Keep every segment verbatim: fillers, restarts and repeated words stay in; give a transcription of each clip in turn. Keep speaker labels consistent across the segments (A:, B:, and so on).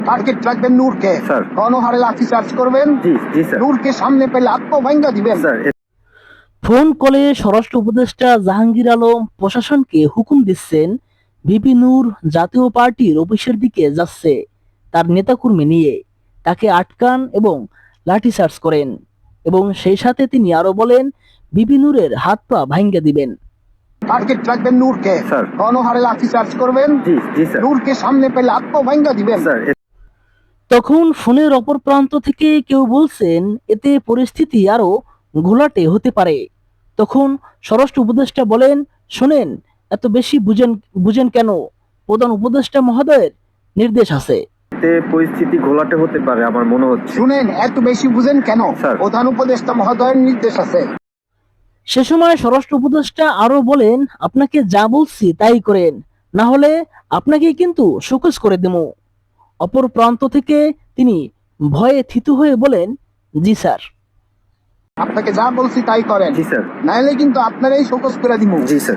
A: Target রাখবেন নূরকে,
B: sir.
A: গণহারে লাঠি চার্জ করবেন,
B: জি জি স্যার।
A: নূরকে সামনে পেলে আত্মভঙ্গা দিবেন।
B: স্যার
C: ফোন কলে স্বরাষ্ট্র উপদেষ্টা জাহাঙ্গীর আলম প্রশাসনকে হুকুম দিচ্ছেন ভিপি নূর জাতীয় পার্টির অফিসের দিকে যাচ্ছে তার নেতাকর্মী নিয়ে, তাকে আটকান এবং লাঠিচার্জ করেন এবং সেই সাথে তিনি আরো বলেন ভিপি নূরের হাত পা ভাঙ্গা দিবেন।
A: টার্গেট রাখবেন নূরকে,
B: স্যার।
A: গণহারে লাঠি চার্জ করবেন,
B: জি জি স্যার।
A: নূরকে সামনে পেলে আত্মভঙ্গা দিবেন।
B: স্যার
C: তখন ফোনের অপর প্রান্ত থেকে কেউ বলছেন এতে পরিস্থিতি আরো ঘোলাটে হতে পারে। তখন স্বরাষ্ট্র উপদেষ্টা বলেন, শোনেন, এত বেশি বুঝেন বুঝেন কেন? প্রধান উপদেষ্টা মহোদয়ের নির্দেশ আছে।
B: এতে পরিস্থিতি ঘোলাটে হতে পারে আমার মনে হচ্ছে।
A: শুনেন, এত বেশি বুঝেন কেন?
B: স্যার।
A: প্রধান উপদেষ্টা মহোদয়ের নির্দেশ আছে।
C: সে সময় স্বরাষ্ট্র উপদেষ্টা আরো বলেন, আপনাকে যা বলছি তাই করেন, না হলে আপনাকে কিন্তু শোকজ করে দেব। অপর প্রান্ত থেকে তিনি ভয়ে থিতু হয়ে বলেন, জি স্যার।
A: আপনাকে যা বলছি তাই করেন,
B: জি স্যার।
A: নাইলে কিন্তু আপনারাই শোকজ করে দিব।
B: জি স্যার।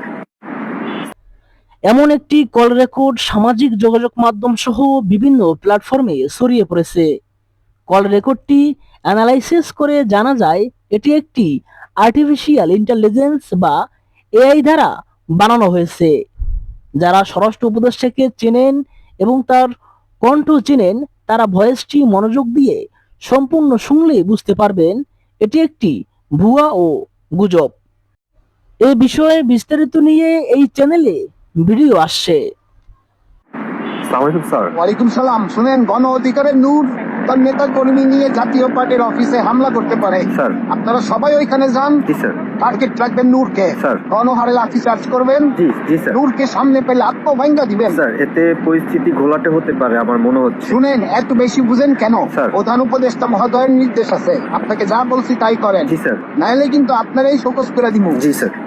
C: এমন একটি কল রেকর্ড সামাজিক যোগাযোগ মাধ্যম সহ বিভিন্ন প্ল্যাটফর্মে ছড়িয়ে পড়েছে। কল রেকর্ডটি অ্যানালাইসিস করে জানা যায় এটি একটি আর্টিফিশিয়াল ইন্টেলিজেন্স বা এআই দ্বারা বানানো হয়েছে। যারা স্বরাষ্ট্র উপদেষ্টাকে চেনেন এবং তার কণ্ঠ চেনেন তারা ভয়েসটি মনোযোগ দিয়ে সম্পূর্ণ শুনলে বুঝতে পারবেন এটি একটি ভুয়া ও গুজব। এ বিষয়ে বিস্তারিত নিয়ে এই চ্যানেলে ভিডিও আসছে।
B: আসসালামু আলাইকুম স্যার।
A: ওয়ালাইকুম সালাম। শুনেন, গণ অধিকারের নূর তার নেতা কর্মী নিয়ে জাতীয় পার্টির অফিসে হামলা করতে পারে।
B: স্যার।
A: আপনারা সবাই ওইখানে যান,
B: জি স্যার।
A: টার্গেট রাখবেন নূরকে,
B: স্যার।
A: গণহারে লাঠি চার্জ করবেন,
B: জি জি স্যার।
A: নূরকে সামনে পেলে আত্মভঙ্গা দিবেন।
B: স্যার এতে পরিস্থিতি ঘোলাটে হতে পারে আমার মনে হচ্ছে।
A: শুনেন, এত বেশি বুঝেন কেন?
B: স্যার।
A: প্রধান উপদেষ্টা মহোদয়ের নির্দেশ আছে। আপনাকে যা বলছি তাই করেন,
B: জি স্যার।
A: নাইলে কিন্তু আপনারাই শোকজ করে দিব।
B: জি স্যার।